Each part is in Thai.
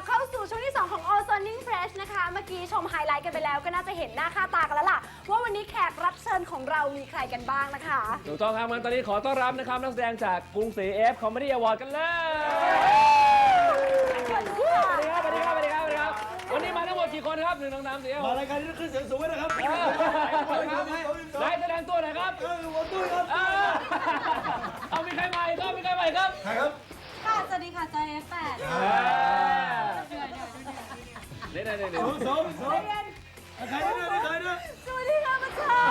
เข้าสู่ช่วงที่ 2 ของ All Sounding Fresh นะคะ เมื่อกี้ชมไฮไลท์กันไปแล้วก็น่าจะเห็นหน้าค่าตากันแล้วล่ะว่าวันนี้แขกรับเชิญของเรามีใครกันบ้างนะคะถูกต้องครับงั้นตอนนี้ขอต้อนรับนะครับนักแสดงจากกรุงศรี F Comedy Award กันเลยสวัสดีครับสวัสดีครับสวัสดีครับสวัสดีครับวันนี้มาทั้งหมดกี่คนครับ1 2 3 4 มารายการนี้ต้องขึ้นเสียงสูงไว้นะครับได้แสดงตัวหน่อยครับวันตุ้ยครับเอามีใครใหม่ครับมีใครใหม่ครับใครครับค่ะสวัสดีค่ะจอย F8 เล่นๆสมใครเนี่ยใครเนี่ยสวัสดีค่ะประชา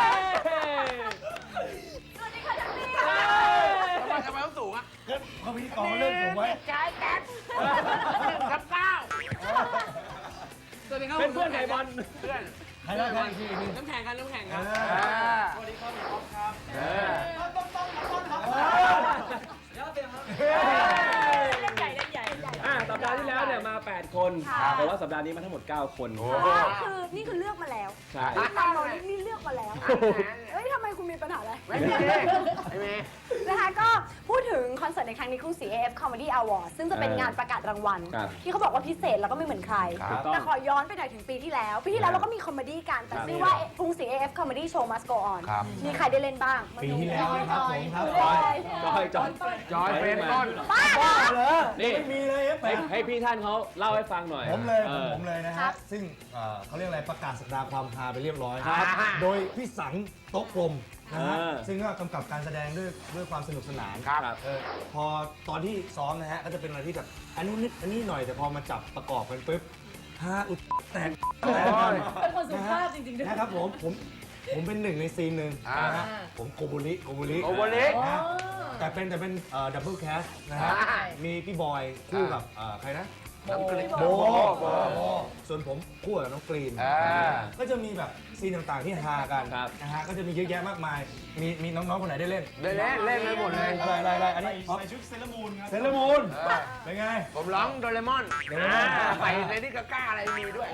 สวัสดีค่ะทักซี่ทำไมต้องสูงอ่ะเขาพิธีกรเริ่มสูงไว้ใช่แก๊สกับก้าวเป็นเพื่อนไก่บอลเพื่อนใครได้ใครอีกทีน้ำแข็งกันสวัสดีครับพี่อ๊อฟครับเล่นใหญ่เล่นใหญ่สัปดาห์ที่แล้วเนี่ยมา8 คนแต่ว่าสัปดาห์นี้มาทั้งหมด9 คนนี่คือเลือกมาแล้วใช่ตามเรานี่เลือกมาแล้วเอ้ยทำไมคุณมีปัญหาอะไรไม่มีนะคะก็พูดถึงคอนเสิร์ตในครั้งนี้กรุงศรี AF Comedy Award ซึ่งจะเป็นงานประกาศรางวัลที่เขาบอกว่าพิเศษแล้วก็ไม่เหมือนใครแต่ขอย้อนไปหน่อยถึงปีที่แล้วเราก็มีคอมเมดี้กันแต่ชื่อว่ากรุงศรี AF Comedy Show Must Go On มีใครได้เล่นบ้างปีที่แล้วครับผมครับจอยเป็นต้นบ้าเหรอนี่ไม่มีเลยให้พี่ท่านเขาเล่าให้ฟังหน่อยผมเลยนะฮะซึ่งเขาเรียกอะไรประกาศสัปดาห์ความฮาไปเรียบร้อยโดยพี่สังโต๊ะกลมนะฮะซึ่งก็กำกับการแสดงด้วยความสนุกสนานพอตอนที่ซ้อมนะฮะก็จะเป็นอะไรที่แบบอันนู้นนิดอันนี้หน่อยแต่พอมาจับประกอบกันปุ๊บฮาอุดแตกเป็นคนสุภาพจริงๆด้วยนะครับผมเป็นหนึ่งในซีนหนึ่งนะฮะผมโกบุรินะแต่เป็นดับเบิลแคสนะฮะมีพี่บอยคู่กับใครนะโบส่วนผมคู่กับน้องกรีนก็จะมีแบบซีนต่างๆที่ฮากันนะฮะก็จะมีเยอะแยะมากมายมีน้องๆคนไหนได้เล่นไปหมดเลยอะไรอันนี้ใส่ชุดเซเลมูนครับเซเลมูนเป็นไงผมร้องโดเรมอนใส่เลดี้กาก้าอะไรมีด้วย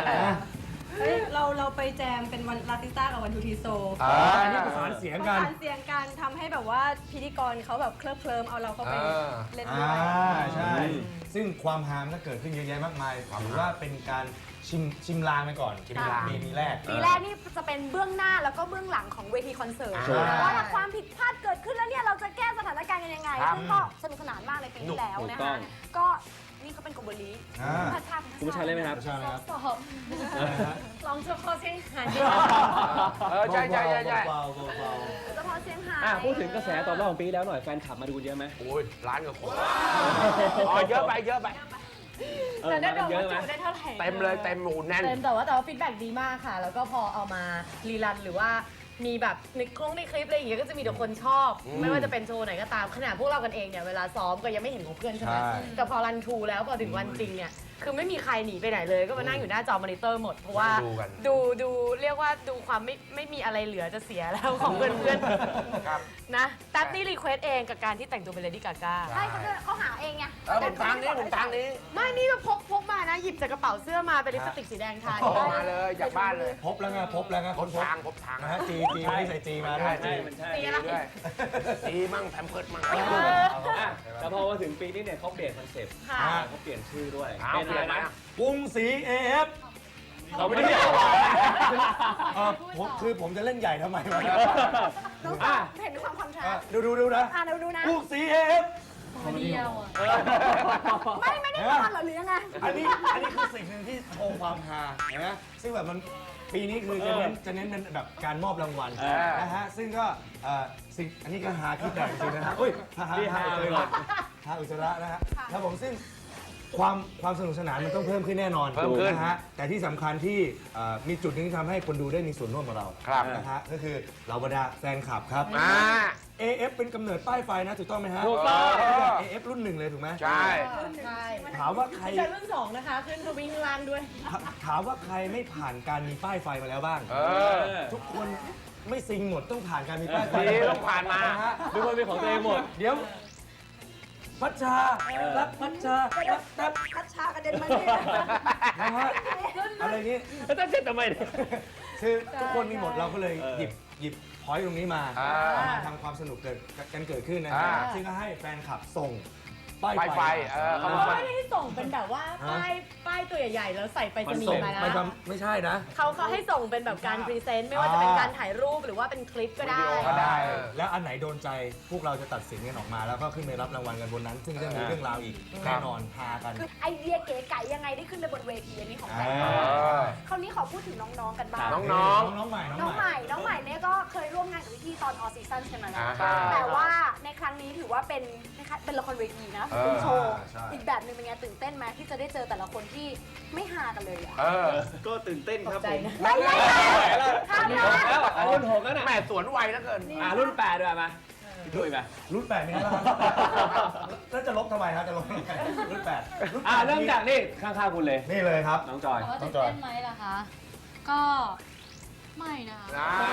เราไปแจมเป็นวันลาติสต้ากับวันทูทีโซอันนี้ประสานเสียงกันทำให้แบบว่าพิธีกรเขาแบบเคลิ้มเอาเราเข้าไปเล่นด้วยใช่ซึ่งความฮามก็เกิดขึ้นเยอะแยะมากมายถือว่าเป็นการชิมลางไปก่อนปีแรกนี่จะเป็นเบื้องหน้าแล้วก็เบื้องหลังของเวทีคอนเสิร์ตว่าถ้าความผิดพลาดเกิดขึ้นแล้วเนี่ยเราจะแก้สถานการณ์กันยังไงซึ่งก็สนุกสนานมากในปีที่แล้วนะคะก็นี่เขาเป็นโกโบลีคุณผู้ชายเล่นไหมครับลองเฉพาะเสียงหันใช่เฉพาะเสียงหายพูดถึงกระแสตอบรับของปีแล้วหน่อยแฟนคลับมาดูเยอะไหมโอ้ยล้านกว่าคนเยอะไปแต่ได้บอกว่าจุได้เท่าไหร่เต็มเลยเต็มหมูแน่นแต่ว่าฟีดแบ็กดีมากค่ะแล้วก็พอเอามารีรันหรือว่ามีแบบในคลิปอะไรอย่างเงี้ยก็จะมีแต่คนชอบไม่ว่าจะเป็นโชว์ไหนก็ตามขนาดพวกเรากันเองเนี่ยเวลาซ้อมก็ยังไม่เห็นของเพื่อนใช่ไหมแต่พอรันทูแล้วพอถึงวันจริงเนี่ยคือไม่มีใครหนีไปไหนเลยก็มานั่งอยู่หน้าจอมอนิเตอร์หมดเพราะว่าดูเรียกว่าดูความไม่มีอะไรเหลือจะเสียแล้วของเพื่อนนะแท็บนี่รีเควสเองกับการที่แต่งตัวเป็นเลดี้กาก้าใช่เขาหาเองไงผมทางนี้ไม่นี่เราพกมานะหยิบจากกระเป๋าเสื้อมาเป็นลิปสติกสีแดงทามาเลยจากบ้านเลยพบแล้วไงพบทางนะฮะจีไม่ได้ใส่จีมาด้วยสีอะไรจีมั่งแพมเพิร์ดมั่งแต่พอมาถึงปีนี้เนี่ยเขาเปลี่ยนคอนเซ็ปต์เขาเปลี่ยนชื่อด้วยเป็นอะไรนะกรุงศรี AF เขาไม่ได้เรียกผมจะเล่นใหญ่ทำไมวะเห็นความคอนทราสต์ดูนะดูนะกรุงศรี AF เดียวไม่ได้ทอนหรอหรือยังไงอันนี้คือสิ่งหนึ่งที่โชว์ความฮานะซึ่งแบบมันปีนี้คือจะเน้นเป็นแบบการมอบรางวัลนะฮะซึ่งก็สิ่งอันนี้ก็ฮาคิดแต่จริงนะฮะฮาอุจจาระนะฮะครับผมซึ่งความสนุกสนานมันต้องเพิ่มขึ้นแน่นอนนะฮะแต่ที่สำคัญที่มีจุดหนึ่งที่ทำให้คนดูได้มีส่วนร่วมกับเรานะฮะก็คือเราบรรดาแฟนคลับครับ AF เป็นกำเนิดป้ายไฟนะถูกต้องไหมฮะถูกต้อง AF รุ่น 1เลยถูกไหมใช่ถามว่าใครรุ่น 2นะคะขึ้นทวิงล่างด้วยถามว่าใครไม่ผ่านการมีป้ายไฟมาแล้วบ้างทุกคนไม่ซิงหมดต้องผ่านการมีป้ายไฟต้องผ่านมาทุกคนเป็นของตัวเองหมดเดี๋ยวพัชชารักพัชชารักพัชชากระเด็นมาเนี่ยนะฮะอะไรนี้แล้วต้องเช็ดทำไมคือทุกคนมีหมดเราก็เลยหยิบพอยต์ตรงนี้มาทำความสนุกเกิดขึ้นนะฮะซึ่งก็ให้แฟนคลับส่งป้ายไฟเขาเขาไม่ได้ส่งเป็นแบบว่าป้ายตัวใหญ่ๆแล้วใส่ไปรษณีย์มานะไม่ใช่นะเขาให้ส่งเป็นแบบการพรีเซนต์ไม่ว่าจะเป็นการถ่ายรูปหรือว่าเป็นคลิปก็ได้ก็ได้แล้วอันไหนโดนใจพวกเราจะตัดสินกันออกมาแล้วก็ขึ้นไปรับรางวัลกันบนนั้น ซึ่งจะมีเรื่องราวอีกแน่นอนพากันคือไอเดียเก๋ไก๋ยังไงได้ขึ้นไปบนเวทีอันนี้ของแบงค์คราวนี้ขอพูดถึงน้องๆกันบ้างน้องน้องใหม่น้องใหม่เนี่ยก็เคยร่วมงานกับพี่ๆตอนออซีซั่นใช่ไหมล่ะอ่าแต่ว่าในครั้งนี้ถือว่าเป็นนะคะเป็นละครเวทีนะเป็นโชว์ใช่อีกแบบหนึ่งเป็นไงตื่นเต้นไหมที่จะได้เจอแต่ละคนที่ไม่ฮากันเลยอะก็ตื่นเต้นครับผมไม่ไม่ข้ามนะแล้วรุ่น6แล้วน่ะแม่สวนไวแล้วเกินรุ่น8ด้วยมาพี่ตุ้ยมารุ่น8มีแล้วแล้วจะลบทำไมครับจะลบทำไมรุ่น8 เริ่มจากนี่ข้างๆคุณเลยนี่เลยครับน้องจอยว่าตื่นเต้นไหมล่ะคะ ก็ไม่นะคะ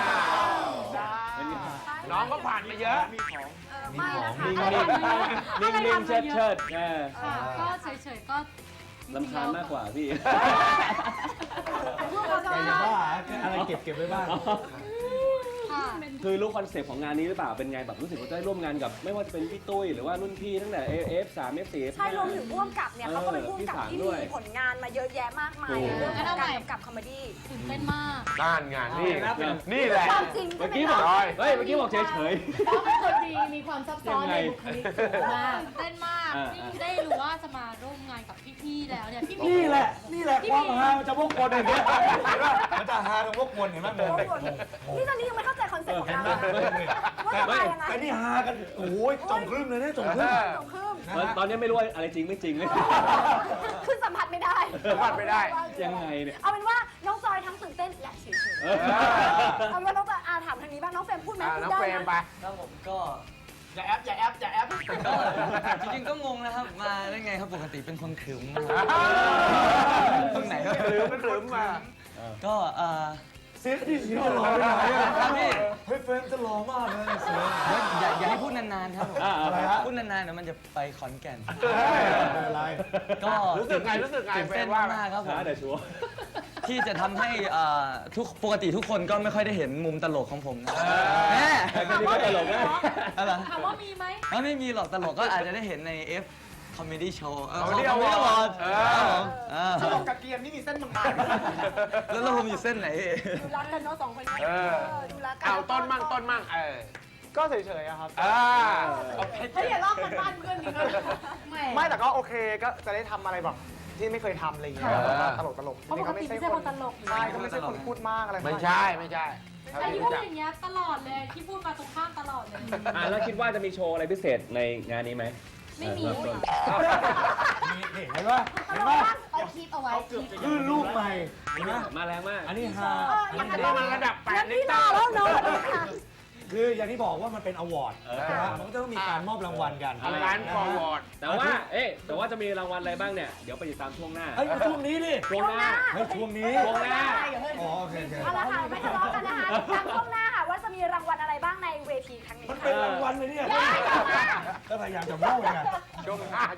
น้องก็ผ่านมาเยอะไม่นะคะนิ่งๆเชิดๆค่ะ ก็เฉยๆ ก็ลำคาญมากกว่าพี่พวกเราจะแต่อย่าว่าอะไรเก็บไว้บ้างค่ะคือรู้คอนเซปต์ของงานนี้หรือเปล่า เป็นไงแบบรู้สึกว่าได้ร่วมงานกับไม่ว่าจะเป็นพี่ตุ้ยหรือว่ารุ่นพี่ตั้งแต่ F3 F4 ใช่รวมถึงพ่วงกับเนี่ยเขาก็เป็นพ่วงกับที่มีผลงานมาเยอะแยะมากมายในเรื่องของการกำกับคอมเมดี้ตื่นเต้นมากด้านงานนี่แหละความจริงใช่เมื่อไหมกี้บอกคะเฮ้ย เมื่อกี้บอกเฉยเขาเป็นคนดีมีความซับซ้อนในบุคลิกสูงมากตื่นเต้นมากอ่าที่ได้รู้ว่าจะมาร่วมงานกับพี่ๆ แล้วเนี่ย พี่นี่แหละความฮามันจะวกวนอย่างเงี้ยมันจะฮาตรงวกวนเห็นไหมงงนี่ตอนนี้ยังไม่เข้าใจคอนเซ็ปต์ของเราเลยว่าจะมายังไงแต่นี่ฮากันโอ้ยจงครึ่มเลยเนี่ยจงครึ่มสองครึ่งๆ ตอนนี้ไม่รู้ว่าอะไรจริงไม่จริงเลยคือสัมผัสไม่ได้สัมผัสไม่ได้ยังไงเนี่ยเอาเป็นว่าน้องจอยทั้งตื่นเต้นและเฉยๆเอาเป็นว่าน้องจอยถามทางนี้บ้างน้องเฟรมพูดไหมพูดน้องได้เฟรมไปนะครับผมก็อย่าแอปก็จริงๆก็งงนะครับมาได้ไงครับปกติเป็นคนขรึมนะครับตรงไหนครับครึ้มมาก็เสียที่เสียหล่อไปไหนอะครับพี่เฮ้ยเฟรมจะหล่อมากเลยเสียอย่าให้พูดนานๆครับผมอะไรฮะพูดนานๆเดี๋ยวมันจะไปขอนแก่นอะไรก็รู้สึกไงตื่นเฟรเต้มนว่ามากๆครับผมช้าแต่ชัวร์ที่จะทำให้ปกติทุกคนก็ไม่ค่อยได้เห็นมุมตลกของผมนะแม่แค่นี้ก็ตลกแล้วอะไรถามว่ามีไหมไม่มีหรอกตลกก็อาจจะได้เห็นใน F Comedy Show Comedy Comedy Award Award ครับผมตลกกับเกียร์นี่มีเส้นบางแล้วผมอยู่เส้นไหนดูรักกันเนาะสองคนนี้ดูรักกัเอาต้นมั่งก็เฉยๆอะครับเฮ้ยอย่าลอกกันบ้านเพื่อนนี่ก็ไม่แต่ก็โอเคก็จะได้ทำอะไรแบบที่ไม่เคยทำอะไรอย่างเงี้ยตลกๆเพราะปกติไม่ใช่คนตลกใช่ก็ไม่ใช่คนพูดมากอะไรไม่ใช่เท่าแต่ที่ที่พูรู้ดจักอย่างเงี้ยตลอดเลย ที่พูดมาตรงข้ามตลอดเลยแล้วคิดว่าจะมีโชว์อะไรพิเศษในงานนี้ไหมไม่มีเริ่ต้นนี่เห็นป่ะเห็นป่ะเอาคลิปเอาไว้คลื่นลูกใหม่เห็นไหมมาแรงมากอันนี้ฮาอย่างนั้นนี่มันระดับงั้น 8 ลิพี่ตรอรแล้วเนาะคืออย่างที่บอกว่ามันเป็นอวอร์ดนะครับมันก็ต้องมีการมอบรางวัลกันร้านฟอร์วอร์ดแต่ว่าจะมีรางวัลอะไรบ้างเนี่ย เดี๋ยวไปติดตามช่วงหน้าเฮ้ยมาช่วงนี้ดิช่วงหน้าเฮ้ยช่วงนี้ช่วงหน้าอ๋อโอเคเอาละค่ะไม่ทะเลาะกันนะคะทางช่วงหน้าค่ะว่าจะมีรางวัลอะไรบ้างในเวทีครั้งนี้มันค่ะเป็นรางวัลเลยเนี่ยก็พยายามจะพูดไงช่วงหน้า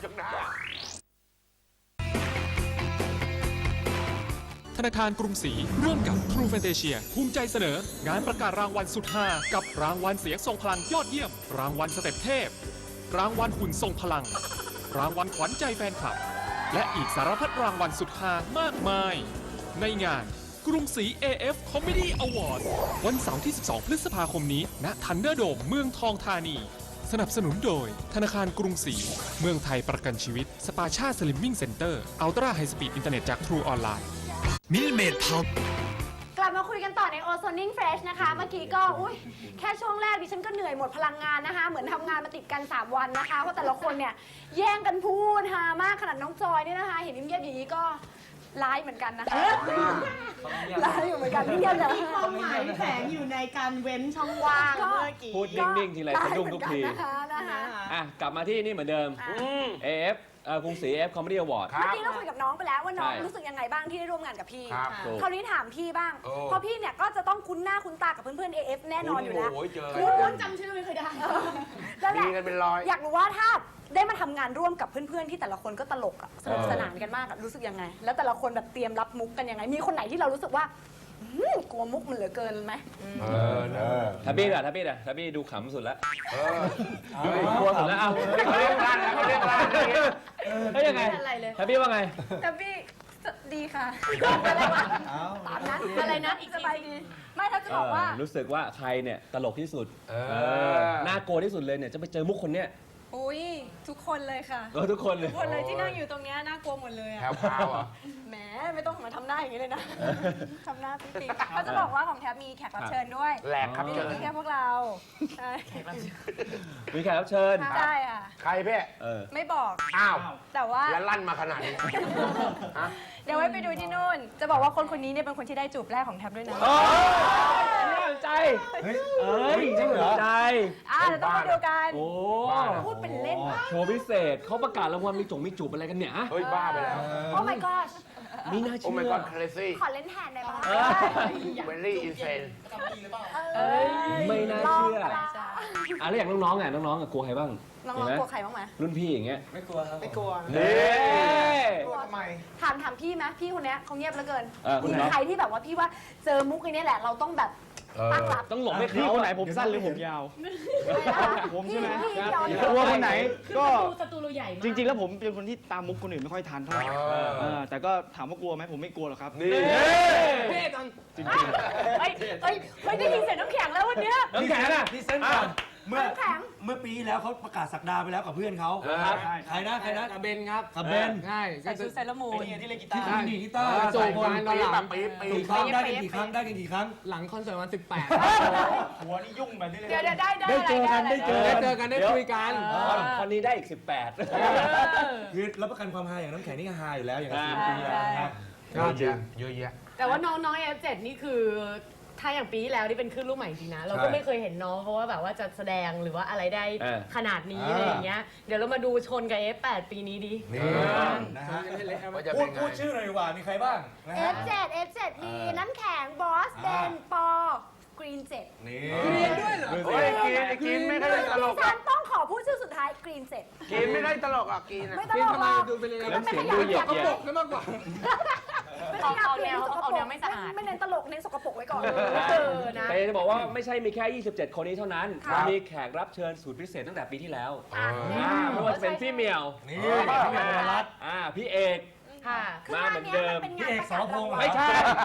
ธนาคารกรุงศรีร่วมกับ True Fantasia ภูมิใจเสนอ งานประกาศรางวัลสุดฮากับรางวัลเสียงทรงพลังยอดเยี่ยม รางวัลสเต็ปเทพ รางวัลหุ่นทรงพลัง รางวัลขวัญใจแฟนคลับ และอีกสารพัดรางวัลสุดฮามากมาย ในงานกรุงศรี AF Comedy Award วันเสาร์ที่ 12 พฤษภาคมนี้ณทันเดอร์โดมเมืองทองธานี สนับสนุนโดยธนาคารกรุงศรีเมืองไทยประกันชีวิตสปาชาสลิมมิ่งเซ็นเตอร์อัลตร้าไฮสปีดอินเทอร์เน็ตจาก True ออนไลน์มิลเมดพับกลับมาคุยกันต่อใน Ozoning Fresh นะคะ เมื่อกี้ก็แค่ช่วงแรกดิฉันก็เหนื่อยหมดพลังงานนะคะ เหมือนทำงานมาติดกัน 3 วันนะคะ เพราะแต่ละคนเนี่ยแย่งกันพูดฮามากขนาดน้องจอยเนี่ยนะคะ เห็นเงียบๆอย่างนี้ก็ร้ายเหมือนกันนะคะร้ายอยู่เหมือนกันเงียบๆมีความหมายแฝงอยู่ในการเว้นช่องว่างเมื่อกี้พูดนิ่งๆทีไรสะดุ้งทุกทีนะคะกลับมาที่นี่เหมือนเดิม AF กรุงศรี AF Comedy Award เมื่อกี้เราคุยกับน้องไปแล้วว่าน้องใช่รู้สึกยังไงบ้างที่ได้ร่วมงานกับพี่ครับคราวนี้ถามพี่บ้างโอ้เพราะพี่เนี่ยก็จะต้องคุ้นหน้าคุ้นตากับเพื่อนๆ AF แน่นอนอยู่แล้วโอ้ยเจอคุณจำชื่อไม่เคยได้นั่นแหมีละกันเป็นร้อยอยากรู้ว่าถ้าได้มาทำงานร่วมกับเพื่อนๆที่แต่ละคนก็ตลกอะสนุกสนานกันมากอะรู้สึกยังไง แล้วแต่ละคนแบบเตรียมรับมุกกันยังไง มีคนไหนที่เรารู้สึกว่ากลัวมุกมันเหลือเกินไหมทับบี้อะทับบี้ดูขำสุดละกลัวสุดแล้วเอาเขาเรียกร้านแล้วเขาเรียกร้านเฮ้ยยังไงอะไรเลยทับบี้ว่าไงแต่พี่ดีค่ะอะไรวะตามนั้นอะไรนะอีกสบายดีไม่ถ้าจะบอกว่ารู้สึกว่าใครเนี่ยตลกที่สุดน่ากลัวที่สุดเลยเนี่ยจะไปเจอมุกคนเนี้ยอุ้ยทุกคนเลยค่ะทุกคนเลยทุกคนเลยที่นั่งอยู่ตรงเนี้ยน่ากลัวหมดเลยแถอะวพาวอ่ะแหมไม่ต้องมาทำหน้าอย่างนี้เลยนะทำหน้าปิ๊งๆเขาจะบอกว่าของแทบมีแขกรับเชิญด้วยแหลกครับไม่เจได้อมีแค่พวกเราใช่มีแขกรับเชิญใช่ค่ะใครเพ่ไม่บอกอ้าวแต่ว่าแล้วลั่นมาขนาดนี้ฮะเดี๋ยวไว้ไปดูที่นู่น จะบอกว่าคนนี้เนี่ยเป็นคนที่ได้จูบแรกของแท็บด้วยนะน่าสนใจเฮ้ยเอ้ยจริงเหรอน่าสนใจเดี๋ยวต้องมาดูกันโอ้พูดเป็นเล่นมากโชว์พิเศษเขาประกาศรางวัลมีจูบอะไรกันเนี่ยเฮ้ยบ้าไปแล้วโอ้ my god มีน่าโอ้เชื่ my อ god crazy ขอเล่นแทนได้ปะ very insane ไม่น่าเชื่อแล้วอย่างน้องๆอ่ะน้องๆอ่ะกลัวใครบ้างน้องๆกลัวใครบ้างไหมรุ่นพี่อย่างเงี้ยไม่กลัวนี่กลัวทำไมถามพี่ไหมพี่คนเนี้ยเขาเงียบเหลือเกินคุณมีน้องใครที่แบบว่าพี่ว่าเจอมุกไอ้นี้แหละเราต้องแบบตั้งรับต้องหลบให้พี่เขาคนไหนผมสั้นหรือผมยาว ผมใช่ไหมพี่ย้อนกลัวคนไหนก็ศัตรูเราใหญ่มากจริง ๆ แล้วผมเป็นคนที่ตามมุกคนอื่นไม่ค่อยทันเท่าไหร่แต่ก็ถามว่ากลัวไหมผมไม่กลัวหรอกครับนี่จริงเฮ้ยได้ยินเสียงน้ำแข็งแล้ววันเนี้ยน้ำแข็งอ่ะนี่เส้นก่อนเมื่อน้ำแข็งเมื่อปีที่แล้วเขาประกาศสักดาไปแล้วกับเพื่อนเขาครับใครนะกับเบนครับกับเบนใช่ใส่ชุดไซรามูนที่เล่นกีตาร์ที่ดีดกีตาร์โจมกันตอนหลังแบบปีกี่ครั้งได้กันกี่ครั้งได้กันกี่ครั้งหลังคอนเสิร์ตวันหัวนี่ยุ่งแบบนี้เลยเดี๋ยวได้ได้เจอกันได้เจอ 18ได้เจอกันได้คุยกันคนนี้ได้อีก 18 คือรับประกันความฮาอย่างน้ำแข็งนี่ก็ฮาอยู่แล้วอย่างกับใช่ปีที่แล้วนะครับเยอะแยะเยอะแยะแต่ว่าน้องๆ F7 นี่คือถ้าอย่างปีที่แล้วนี่เป็นคลื่นลูกใหม่จริงนะ เราก็ไม่เคยเห็นน้องเขาว่าแบบว่าจะแสดงหรือว่าอะไรได้ขนาดนี้อะไรอย่างเงี้ย เดี๋ยวเรามาดูชนกับ F8 ปีนี้ดินี่นะฮะว่าจะพูเป็ดนไงพูดชื่อหน่อยดีกว่ามีใครบ้างนะฮะ F7 มีน้ำแข็งบอสเดนปอกรีน7 นี่โอ้ยกินไม่ค่อยตลกฉันต้องขอพูดชื่อสุดท้ายกรีน7 กินไม่ได้ตลกอ่ะกินไม่ตลกหรอกน้ำเสียงดูเหยียดเหยียดไม่มากกว่าเอาแนวไม่สะอาดไม่เน้นตลกเน้นสกปรกไว้ก่อนนะแต่จะบอกว่าไม่ใช่มีแค่ 27 คนนี้เท่านั้น มีแขกรับเชิญสูตรพิเศษตั้งแต่ปีที่แล้วไม่ว่าจะเป็นพี่เหมียวนี่พี่เอกรัตน์พี่เอกค่ะมาเหมือนเดิมพี่เอกสรพงษ์เหรอไม่ใช่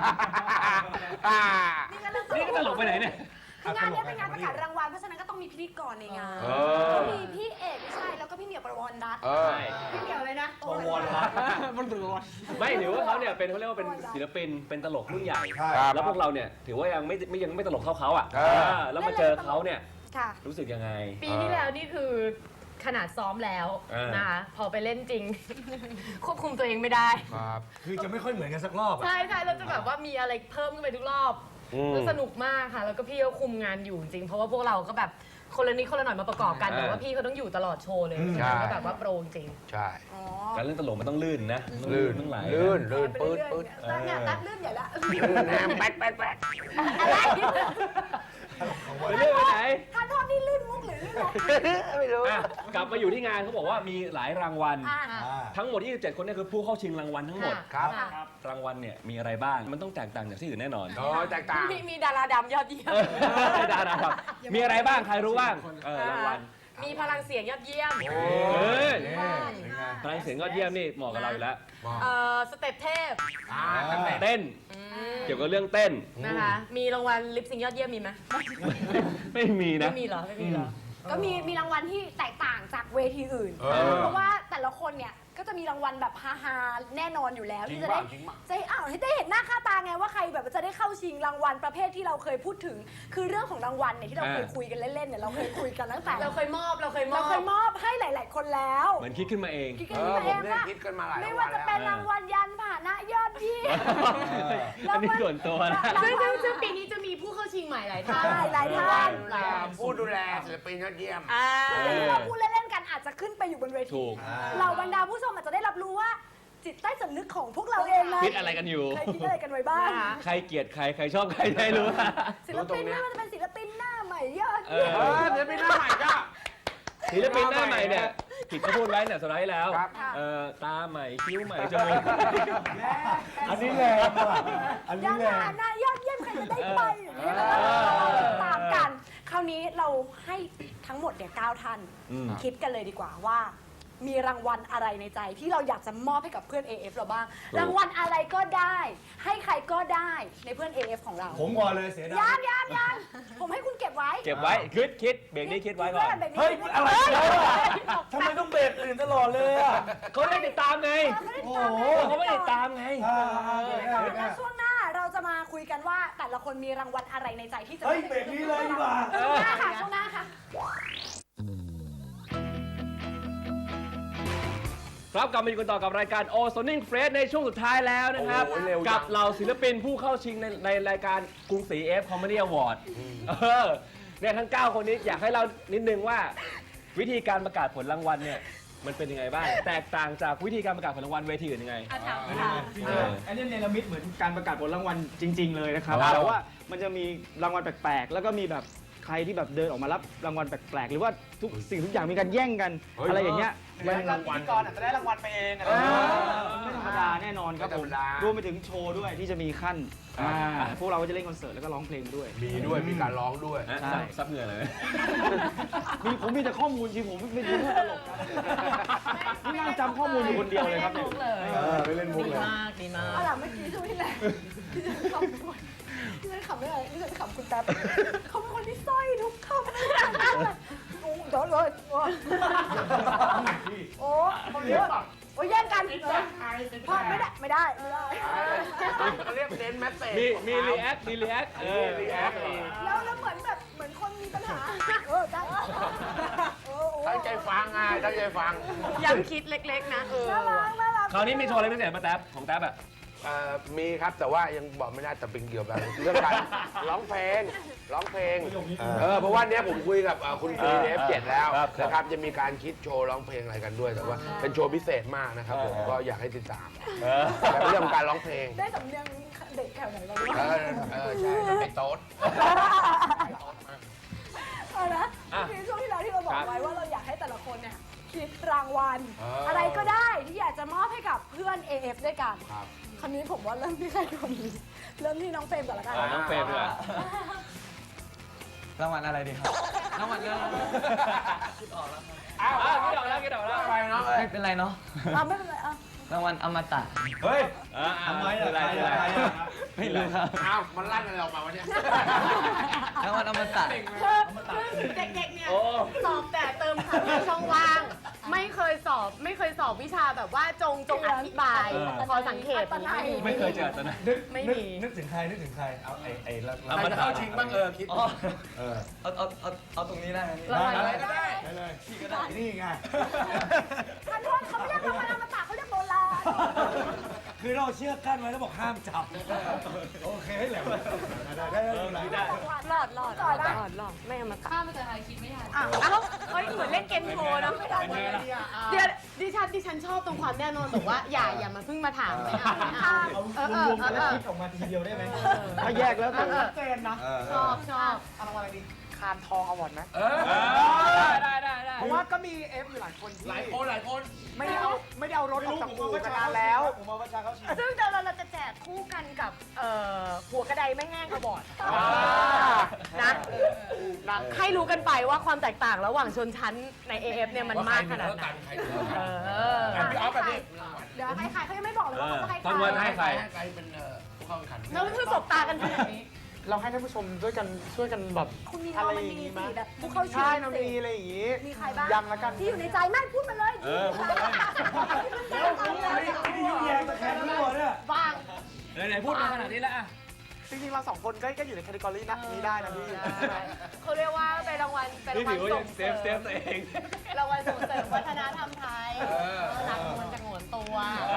นี่นี่ก็ตลกไปไหนเนี่ยคืองานนี้เป็นงานประกาศรางวัลเพราะฉะนั้นก็ต้องมีพิธีกรในงานก็มีพี่เอกใช่แล้วก็พี่เหมียวประวรรัตน์พี่เหมียวเลยนะประวรรัตน์มันถือว่าไม่ถือว่าเขาเนี่ยเป็นเขาเรียกว่าเป็นศิลปินเป็นตลกรุ่นใหญ่ใช่แล้วพวกเราเนี่ยถือว่ายังไม่ตลกเท่าเขาอ่ะแล้วมาเจอเขาเนี่ยค่ะรู้สึกยังไงปีที่แล้วนี่คือขนาดซ้อมแล้วนะคะพอไปเล่นจริง ควบคุมตัวเองไม่ได้คือจะไม่ค่อยเหมือนกันสักรอบอะใช่เราจะแบบว่ามีอะไรเพิ่มขึ้นไปทุกรอบแล้วสนุกมากค่ะ แล้วก็พี่ก็คุมงานอยู่จริงเพราะว่าพวกเราก็แบบคนละนิดคนละหน่อยมาประกอบกันแต่ว่าพี่เขาต้องอยู่ตลอดโชว์เลยก็แบบว่าโปรจริงใช่การเล่นตลกมันต้องลื่นนะลื่นต้องไหลลื่นปืปื๊ดดปื๊ดเนี่ยตัดลื่นใหญ่ละแหนมแป๊ดแป๊ดแป๊ดอะไรไปเรื่อยไปไหนทานโทษนี่ลื่นมุกหรือลื่นอะไรไม่รู้กลับมาอยู่ที่งานเขาบอกว่ามีหลายรางวัลอ่าทั้งหมด 27 คนเนี่ยคือผู้เข้าชิงรางวัลทั้งหมดครับรางวัลเนี่ยมีอะไรบ้าง มันต้องแตกต่างจากที่อื่นแน่นอนโอ้แตกต่างมีดาราดำยอดเยี่ยมดาราครับมีอะไรบ้าง ใครรู้บ้างรางวัลมีพลังเสียงยอดเยี่ยมเฮ้ยนี่เป็นไงพลังเสียงยอดเยี่ยมนี่เหมาะกับเราอยู่แล้วสเต็ปเทพเต้น เกี่ยวกับเรื่องเต้นนะคะ มีรางวัลลิปซิงค์ยอดเยี่ยมมีไหมไม่มีนะไม่มีเหรอ ไม่มีเหรอก็มีรางวัลที่แตกต่างจากเวทีอื่น เพราะว่าแต่ละคนเนี่ยก็จะมีรางวัลแบบฮาๆแน่นอนอยู่แล้วที่จะได้ให้ได้เห็นหน้าค่าตาไงว่าใครแบบจะได้เข้าชิงรางวัลประเภทที่เราเคยพูดถึง คือเรื่องของรางวัลเนี่ยที่เราเคยคุยกันเล่นๆเนี่ยเราเคยคุยกันตั้งแต่เราเคยมอบเราเคยมอบให้หลาย ๆ คนแล้วเหมือนคิดขึ้นมาเองคิดกันผเอมงได้ว่าคิดกันมาหลายไม่วัว่าน จะแล้วเป็นรางวัลยันผ่านะยอดเยี่ยมอันนี้ส่วนตัวนะซึ่งปีนี้จะมีผู้เข้าชิงใหม่หลายท่านหลายท่านผู้ดูแลศิลปินยอดเยี่ยมที่เราพูดเล่นๆกันอาจจะขึ้นไปอยู่บนเวถูทีกเราบรรดาผู้ชมอาจจะได้รับรู้ว่าจิตใต้สำนึกของพวกเราเองนะคิดอะไรกันอยู่เคยคิดอะไรกันไว้บ้างใครเกลียดใคร ใครชอบใครได้รู้ศิลปินไม่ว่าจะเป็นศิลปินหน้าใหม่ยอดเอเยี่ยมอศิลปินหน้าใหม่ก็ศิลปินหน้าใหม่เนี่ยผิดเขาพูดไว้เนี่ยสุดท้ายแล้วครับตาใหม่คิ้วใหม่จมูกอันนี้แรงว่ะอันยันี้นแรงผ่านหน้ายอดเยี่ยมจะได้ไปอย่างนี้ตามกัน คราวนี้เราให้ทั้งหมดเนี่ย9ท่าน คิดกันเลยดีกว่าว่ามีรางวัลอะไรในใจที่เราอยากจะมอบให้กับเพื่อน AF เราบ้าง รางวัลอะไรก็ได้ ให้ใครก็ได้ในเพื่อน AF ของเราผมก่อนเลยเสียดายยังผมให้คุณเก็บไว้เก็บไว้คิดเบรกนี้คิดไว้ก่อนเฮ้ยอะไรเนี่ยทำไมต้องเบรกอื่นตลอดเลยอ่ะเขาไม่ได้ติดตามไงโอ้โหเขาไม่ได้ติดตามไงแล้วช่วงหน้าเราจะมาคุยกันว่าแต่ละคนมีรางวัลอะไรในใจที่จะเฮ้ยเบรกนี้เลยดีกว่าช่วงหน้าค่ะช่วงหน้าค่ะครับกลับมาอยู่กันต่อกับรายการ O Sounding Fresh ในช่วงสุดท้ายแล้วนะครับโอ้โหเร็วจังกับเหล่าศิลปินผู้เข้าชิงในรายการกรุงศรี F Comedy Award เนี่ยทั้ง 9 คนนี้อยากให้เรานิดนึงว่าวิธีการประกาศผลรางวัลเนี่ยมันเป็นยังไงบ้าง แตกต่างจากวิธีการประกาศผลรางวัลเวทีอื่นยังไงอันนี้เนรมิตเหมือนการประกาศผลรางวัลจริง ๆ เลยนะครับครับแต่ว่ามันจะมีรางวัลแปลกๆ แล้วก็มีแบบใครที่แบบเดินออกมารับรางวัลแปลกๆ หรือว่าทุกสิ่งทุกอย่างมีการแย่งกันอะไรอย่างเงี้ยแล้วก็พิธีกรอาจจะได้รางวัลไปเองอะไรไม่ธรรมดาแน่นอนครับผมรวมไปถึงโชว์ด้วยที่จะมีขั้นพวกเราก็จะเล่นคอนเสิร์ตแล้วก็ร้องเพลงด้วยมีด้วยมีการร้องด้วยฮะใช่ซับเหงื่อเลยผมมีแต่ข้อมูลจริงผมไม่รู้ตลกนะนี่นั่งจำข้อมูลอยู่คนเดียวเลยครับเนี่ยไม่เล่นมุกดีเลยมากดีมากเอาล่ะเมื่อกี้ช่วงที่แล้วที่ฉันขำไม่อะไรที่ฉันขำคุณแป๊บเขาเป็นคนที่สร้อยทุกคำเลยโดนเลยโอ้เขาเยอะโอ้ยแย่งกันพอไม่ได้เขาเรียกเน้นแมสเซจมีรีแอครีแอคแล้วเหมือนคนมีปัญหาได้ตั้งใจฟังไงตั้งใจฟังยังคิดเล็กๆนะน่ารักคราวนี้มีโชว์อะไรพิเศษมาแท็บของแท็บอะมีครับแต่ว่ายังบอกไม่ได้แต่เป็นเกี่ยวกับเรื่องการร้องเพลงเพราะว่าเนี้ยผมคุยกับคุณครูใน F7 แล้วนะครับจะมีการคิดโชว์ร้องเพลงอะไรกันด้วยแต่ว่าเป็นโชว์พิเศษมากนะครับผมก็อยากให้ติดตามแต่เป็นเรื่องการร้องเพลงได้สำเนียงเด็กแถวไหนบ้างใช่ไอ้โต๊ดเอาละมีช่วงที่แล้วที่เราบอกไว้ว่าเราอยากให้แต่ละคนเนี่ยคิดรางวัลอะไรก็ได้ที่อยากจะมอบให้กับเพื่อน AF ด้วยกันคราวนี้ผมว่าเริ่มที่ใครก่อนดีเริ่มที่น้องเฟรมก่อนละกันน้องเฟรมเลยรางวัลอะไรดีครับรางวัลอะไรคิดออกแล้วไปเนาะไม่เป็นไรเนาะไม่เป็นไรรางวัลอมตะเฮ้ยทำไมล่ะใครไม่รู้ครับอ้าวมันลั่นอะไรออกมาวะเนี่ยรางวัลอมตะเด็กๆเนี่ยสอบแต่เติมคำในช่องว่าง ไม่เคยสอบวิชาแบบว่าจงอธิบายพอสังเกตนี้ไม่เคยเจอตอนนั้นไม่มีนึกถึงใครเอาไอ้ละเอามาเข้าชิงบ้างคิดเอาตรงนี้ได้ไหมรางวัลอะไรก็ได้เลยพี่ก็ได้นี่ไงท่านโทษเขาไม่เรียกรางวัลอมตะเขาเรียกโบราณคือเราเชื่อกั้นไว้แล้วบอกห้ามจับโอเคให้แหลมได้หลอดไม่เอามาตัดข้ามไปเจอใครคิดไม่ทันเอ้าเฮ้ยเหมือนเล่นเกมโชว์นะไม่ได้เดี๋ยวดิฉันชอบตรงความแน่นอนบอกว่าอย่ามาเพิ่งมาถามไม่เอารวมๆแล้วคิดออกมาทีเดียวได้ไหมถ้าแยกแล้วแต่เจนนะชอบเอารางวัลอะไรดีคานทองอวอร์ดไหมได้เพราะว่าก็มีเอฟอยู่หลายคนที่หลายคนไม่ได้เอารถออกจากอู่มานานแล้วผมมาประชาเขาชิงซึ่งเดี๋ยวเราจะแจกคู่กันกับหัวกระไดไม่แห้งกระบอกนะให้รู้กันไปว่าความแตกต่างระหว่างชนชั้นใน AF เนี่ยมันมากขนาดไหนพี่ออฟแบบนี้เดี๋ยวให้ใครเขายังไม่บอกเลยว่าเขาจะให้ใครต้นวันให้ใครใครเป็นผู้เข้าแข่งขันแล้วคือสบตากันขนาดนี้เราให้ท่านผู้ชมช่วยกันแบบคุณมีอะไรมันอย่างมีงี้ไหมสิแบบผู้เข้าชิงใช่เรามีอะไรอย่างงี้มีใครบ้างยังละกันที่อยู่ในใจไม่พูดมาเลยพูดมาเลยนี่ยุ่งแยงตะแคงทั้งหมดเนี่ยว่างไหนพูดมาขนาดนี้แล้วอะจริงๆเราสองคนก็อยู่ในแคตตากรีนี้ได้นะพี่เขาเรียกว่าเป็นรางวัลนี่ถือว่าส่ยังงเซเสริฟมตัวเองรางวัลส่งเสริมวัฒนธรรมไทยหนักมันจะหวนตัว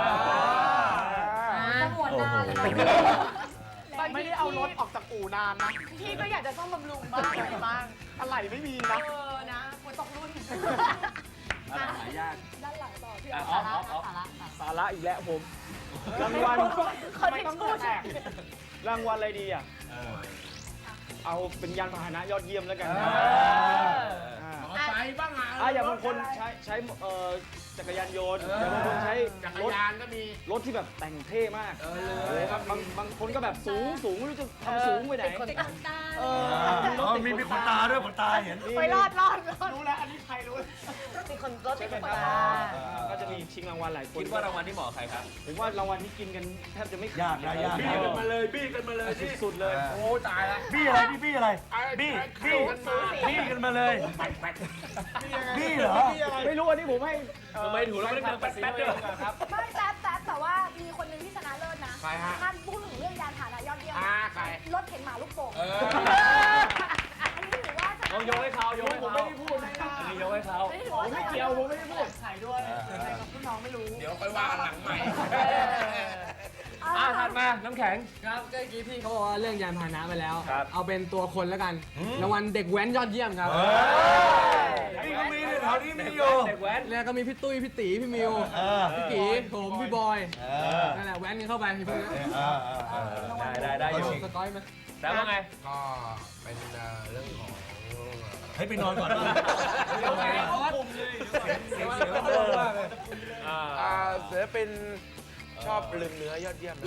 จะหมดนานเลยไม่ได้เอารถออกจากอู่นานนะพี่ก็อยากจะซ่อมบำรุงบ้างอะไรบ้างอะไรไม่มีนะนะควรตกรุ่นอะไรหายากด้านหลังต่อพี่ออฟสาระอีกแล้วผม รางวัลเขาไม่ต้องพูดรางวัลอะไรดีอ่ะเอาเป็นยานพาหนะยอดเยี่ยมแล้วกันใช้บ้างอ่ะอย่างบางคนใช้จักรยานยนต์แต่บางคนใช้จักรยานก็มีรถที่แบบแต่งเท่มากเลยครับบางคนก็แบบสูงไม่รู้จะทำสูงไปไหนเป็นคนตามตามีขนตาด้วยขนตาเห็นไปรอดรู้แล้ว อันนี้ใครรู้เป็นคนรถเป็นคนตาก็จะมีชิงรางวัลหลายคนคิดว่ารางวัลที่เหมาะกับใครครับผมว่ารางวัลที่กินกันแทบจะไม่ยากนะยากบี้กันมาเลยบี้กันมาเลยสุดๆเลยโอ้ตายละบี้อะไรบี้อะไรบี้กันมาเลยบี้เหรอไม่รู้อันนี้ผมให้ทำไมถูกแล้วไม่ได้เดินแป๊ดๆด้วยครับไม่แต่ว่ามีคนหนึงที่ชนะเลิศนะใครฮะท่านพูดถึงเรื่องยานพาหนะยอดเยี่ยมใครรถเข็นหมาลูกโป่ง อันนี้ถือว่าชนะเอายกให้เขายกให้เขาผมไม่ได้พูดนะอันนี้ยกให้เขาอันนี้ถือว่าชนะเกี่ยวผมไม่ได้พูดเดี๋ยวค่อยว่ากันหลังใหม่ถัดมาน้ำแข็งครับก็เมื่อกี้พี่เขาบอกว่าเรื่องยานพาหนะไปแล้วครับเอาเป็นตัวคนแล้วกัน รางวัลเด็กแว้นยอดเยี่ยมครับนี่ก็มีแถวนี้มีอยู่เด็กแว้นแล้วก็มีพี่ตุ้ย พี่ตี พี่มิว พี่กีผมพี่บอย นั่นแหละแว้นกันเข้าไปพี่พวกนี้ได้อยู่สก้อยไหมแต่ว่าไงก็เป็นเรื่องของให้ไปนอนก่อนเสียงมากเลยศิลปินชอบลืมเนื้อยอดเยี่ยม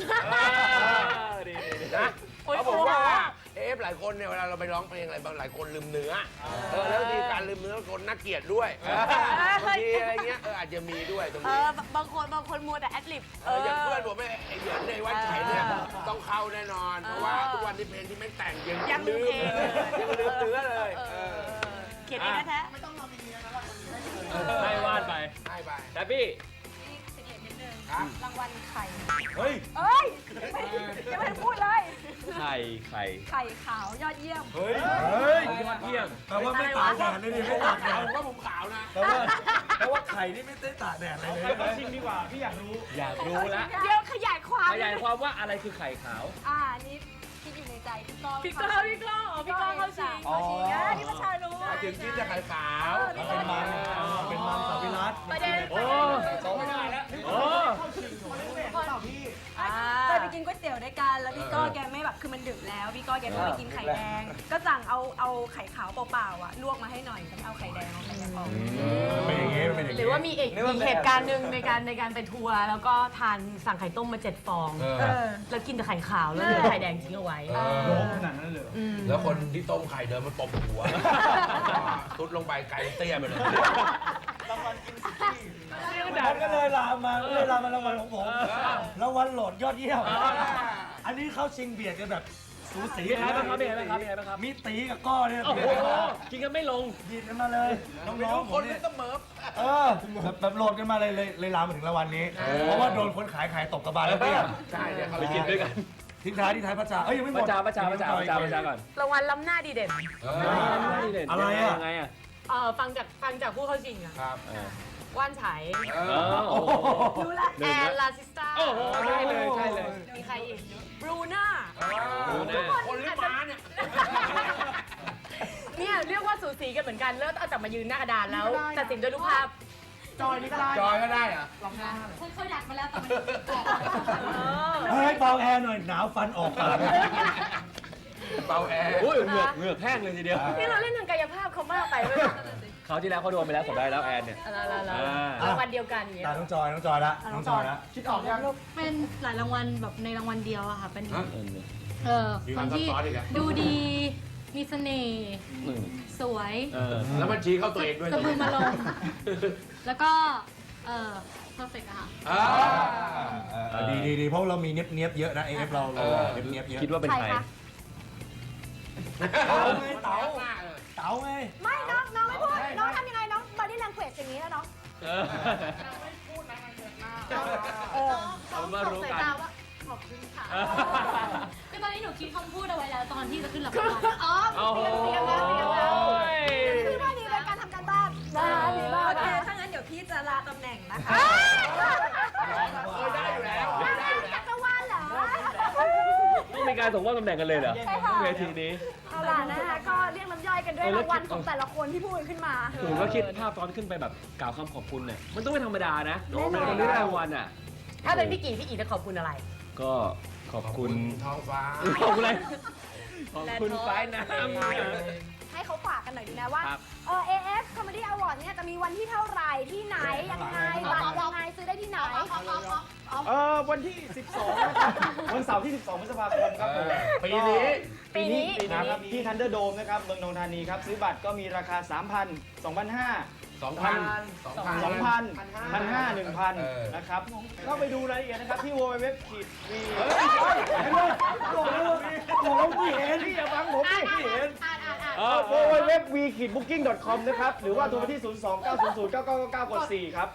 นะเขาบอกว่าหลายคนเนี่ยเวลาเราไปร้องเพลงอะไรบางหลายคนลืมเนื้อแล้วบางทีการลืมเนื้อคนน่าเกลียดด้วยบางทีอะไรเงี้ยอาจจะมีด้วยตรงนี้บางคนมัวแต่แอดลิปอย่างเพื่อนผมไอ้เหยินในวัดไฉเนี่ยต้องเข้าแน่นอน เพราะว่าทุกวันที่เพลงที่ไม่แต่งยังลืมเนื้อเลยเขียนเองแท้ให้วาดไปให้ไปแต่พี่รางวัลไข่เฮ้ยเอ้ยยังไม่ได้พูดเลยไข่ไข่ขาวยอดเยี่ยมเฮ้ยยอดเยี่ยมแปลว่าไม่ตากแดดเลยดิไม่ตากแดเอาดว่าผมขาวนะแปลว่าไข่นี่ไม่ได้ตากแดดอะไรเลยไปชิงดีกว่า พี่อยากรู้อยากรู้แล้วเดี๋ยวขยายความขยายความว่าอะไรคือไข่ขาวอันนี้คิดอยู่ในใจพี่ก้องพี่ก้องเข้าชิงเข้าชิงนี่ประชารู้ถึงที่จะขายขาวเป็นมันสวิรัตประเด็นโอ้ไม่ได้แล้วโอ้เคยไปกินก๋วยเตี๋ยวด้วยกันแล้วพี่ก้อแกไม่แบบคือมันดึกแล้วพี่ก้อแกไม่ไปกินไข่แดง ก็สั่งเอาไข่ขาวเปล่าๆอ่ะลวกมาให้หน่อยแต่ไม่เอาไข่แดงเอาไข่แดงออกเป็นอย่างงี้เป็นอย่างหรือว่ามีอีกเหตุการณ์หนึ่งในการไปทัวร์แล้วก็ทานสั่งไข่ต้มมา7 ฟอง แล้วกินแต่ไข่ขาวแล้วเหลือไข่แดงทิ้งเอาไว้ร้องขนาดนั้นเลยเหรอแล้วคนที่ต้มไข่เดินมาตบหัวตุดลงไปไก่เตี้ยไปเลยผมก็เลยลามมารางวัลของผมรางวัลโหลดยอดเยี่ยมอันนี้เข้าชิงเบียดกันแบบสูสีมีใครบ้างครับมีใครบ้างครับมีใครบ้างครับมีตีกับก้อเนี่ยโอ้โหกินกันไม่ลงยินกันมาเลยน้องๆผมเนี่ยแบบโหลดกันมาเลยลามมาถึงรางวัลนี้ เพราะว่าโดนคนขายตกกระบาลแล้วเตี้ยใช่เนี่ยเขาไปกินด้วยกันทิ้งท้ายพระจ่าเอ้ยยังไม่หมประดจาก่อนรางวัลล้ำหน้าดีเด่นอะไรอ่ะยังไงอ่ะฟังจากผู้เข้าชิงอะครับว่านไฉโอ้โหรู้ละแอนลาซิสตาโอ้โหใช่เลยใช่เลยมีใครอีกบรูน่าคนหรือม้าเนี่ยเนี่ยเรียกว่าสูสีกันเหมือนกันแล้วเอาจับมายืนหน้ากระดานแล้วตัดสินด้วยรูปภาพจอยนี่ก็ได้จอยก็ได้เหรอเขาอยากมาแล้วแต่มันเฮ้ยเบาแอร์หน่อยหนาวฟันออกปากเบาแอร์โอ้ยเหงือกแห้งเลยทีเดียวนี่เราเล่นทางกายภาพเขามากไปเว้ยเขาวที่แล้วเขาโดนไปแล้วผมได้แล้วแอนเนี่ยรางวัลเดียวกันอย่างเงี้ยน้องจอยละน้องจอยละคิดออกยังเป็นหลายรางวัลแบบในรางวัลเดียวอะค่ะ เป็นฮะคนที่ดูดี มีเสน่ห์ สวยแล้วมันชี้เข้าตัวเองด้วยสะพึงมาลง แล้วก็perfect อะค่ะดีเพราะเรามีเนียบเยอะนะ AF เราเนียบเยอะคิดว่าเป็นใครเต๋าไงไม่น้องไม่พูดน้องทำยังไงน้อง body language อย่างนี้แล้วน้องเอามารู้สายกันตาว่าขอบคุณค่ะคือตอนนี้หนูคิดคำพูดเอาไว้แล้วตอนที่จะขึ้นรับรางวัลอ๋อโอ้โหคือว่าดีเป็นการทำการบ้านดีมากโอเค ถ้างั้นเดี๋ยวพี่จะลาตำแหน่งนะคะได้อยู่แล้วจักรวาลเหรอต้องมีการส่งมอบตำแหน่งกันเลยเหรอใช่ค่ะเวทีนี้เอาล่ะนะคะก็เรียกน้ำย่อยกันด้วยรางวัลของแต่ละคนที่พูดขึ้นมาผมก็คิดภาพตอนขึ้นไปแบบกล่าวคำขอบคุณเนี่ยมันต้องไม่ธรรมดานะเป็นคนที่ได้รางวัลอ่ะถ้าเป็นพี่กี่จะขอบคุณอะไรก็ขอบคุณท้องฟ้าขอบคุณอะไรขอบคุณฟ้ายน้ให้เขาฝากกันหน่อยดีนะว่าครับ AF Comedy Award เนี่ยจะมีวันที่เท่าไหร่ที่ไหนยังไงบัตรยังไงซื้อได้ที่ไหนวันที่ 12 นะครับ วันเสาร์ที่ 12 พฤษภาคมครับผมปีนี้ปีนี้นะครับที่ Thunderdome นะครับเมืองนนทธานีครับ ซื้อบัตรก็มีราคา 3,000 2,500 2,000 2,000 1,500 1,000 นะครับ ก็ไปดูรายละเอียดนะครับที่ www.v บอกไม่เห็นพี่อย่าฟังผมดิพี่เห็น www.v-booking.com นะครับ หรือว่าโทรไปที่ 029009999กด4ครับ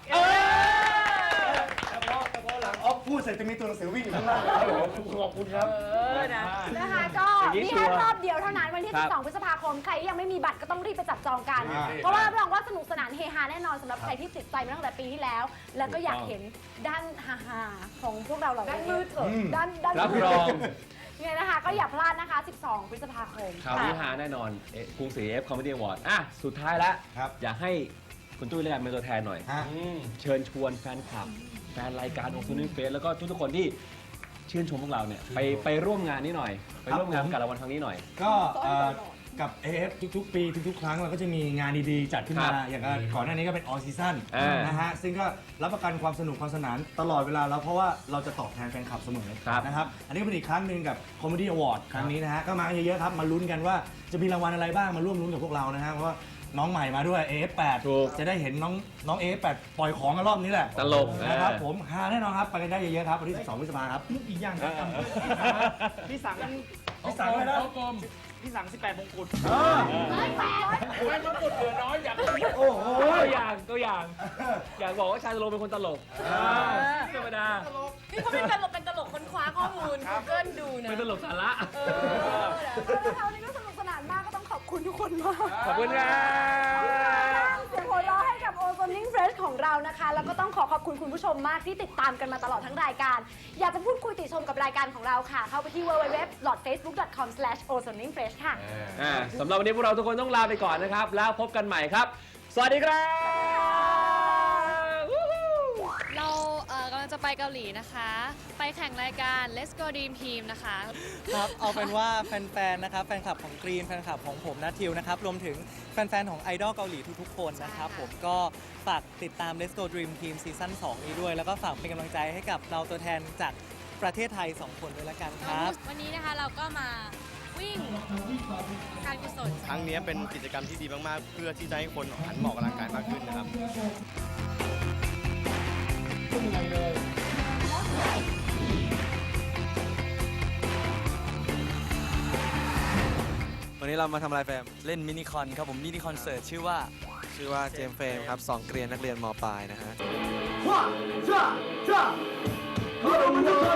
หลังออฟพูดเสร็จจะมีตัวหนังสือวิ่งอยู่ข้างล่างขอบคุณครับนะคะก็อย่างนี้นี่ชัวแค่ร์รอบเดียวเท่านั้นวันที่ครับ 12 พฤษภาคม ใครที่ยังไม่มีบัตรก็ต้องรีบไปจับจองกันอ่าเพราะว่ารับรองว่าสนุกสนานเฮฮาแน่นอนสำหรับใครที่ติดใจมาตั้งแต่ปีที่แล้ว แล้วก็อยากเห็นด้านฮาๆของพวกเราเหล่านี้ด้านมืดเถอะด้านรับรองเนี่ยนะคะก็อย่าพลาดนะคะ 12 พฤษภาคมข่าวนี้ฮาแน่นอนกรุงศรี AF Comedy Award อ่ะสุดท้ายแล้วครับอยากให้คุณตุ้ยเรียกเป็นตัวแทนหน่อยฮะเชิญชวนแฟนคลับ แฟนรายการโอซูนิ่งเฟสแล้วก็ทุกๆคนที่ชื่นชมพวกเราเนี่ยไปร่วมงานนี้หน่อย ไปร่วมงานกับรางวัลครั้งนี้หน่อยก็กับ AF ทุกๆ ปีทุกๆ ครั้งเราก็จะมีงานดีๆ จัดขึ้นมาครับอย่างก่อนหน้านี้ก็เป็น all season อ่านนะฮะซึ่งก็รับประกันความสนุกความสนานตลอดเวลาแล้วเพราะว่าเราจะตอบแทนแฟนคลับเสมอครับนะครับอันนี้ก็เป็นอีกครั้งหนึ่งกับ Comedy Award ครั้งนี้นะฮะก็มากันเยอะๆครับมาลุ้นกันว่าจะมีรางวัลอะไรบ้างมาร่วมลุ้นกับพวกเรานะฮะเพราะว่าน้องใหม่มาด้วย AF8 ถูกจะได้เห็นน้อง AF8 ปล่อยของกันรอบนี้แหละตลกนะครับผมฮาแน่นอนครับไปกันได้เยอะๆครับวันที่ 12 พฤษภาคมครับอีกอย่างครับพี่สังพี่สั่งเลยนะพี่สัง 18 มงกุฎโอ้โหตัวอย่าง อยากบอกว่าชายตลกเป็นคนตลกธรรมดานี่เขาเป็นตลกค้นคว้าข้อมูล Google ดูนะเป็นตลกสาระแล้ววันนี้ก็สนุกสนานมากก็ต้องขอบคุณทุกคนมากขอบคุณครับเสียงหัวเราะให้กับ Ozoning Fresh ของเรานะคะ แล้วก็ต้องขอบคุณคุณผู้ชมมากที่ติดตามกันมาตลอดทั้งรายการ อยากจะพูดคุยติชมกับรายการของเราค่ะ เข้าไปที่ www.facebook.com/ozoningfresh ค่ะสำหรับวันนี้พวกเราทุกคนต้องลาไปก่อนนะครับ แล้วพบกันใหม่ครับ สวัสดีครับเรากำลังจะไปเกาหลีนะคะ ไปแข่งรายการ Let's Go Dream Team นะคะครับ เอาเป็นว่าแฟนๆ นะครับ แฟนคลับของกรีน แฟนคลับของผมนัททิวนะครับ รวมถึงแฟนๆ ของไอดอลเกาหลีทุกๆ คนนะครับ ผมก็ฝากติดตาม Let's Go Dream Team ซีซั่น 2 นี้ด้วย แล้วก็ฝากเป็นกำลังใจให้กับเราตัวแทนจากประเทศไทย 2 คนด้วยละกันครับวันนี้นะคะเราก็มาวิ่งการกุศลครั้งนี้เป็นกิจกรรมที่ดีมากๆ เพื่อที่จะให้คนหันมาออกกำลังกายมากขึ้นนะครับวันนี้เรามาทำอะไรแฟม เล่นมินิคอนครับผม มินิคอนเสิร์ตชื่อว่าเจมส์เฟรมครับ2 เกรียนนักเรียนมปลายนะฮะจ้า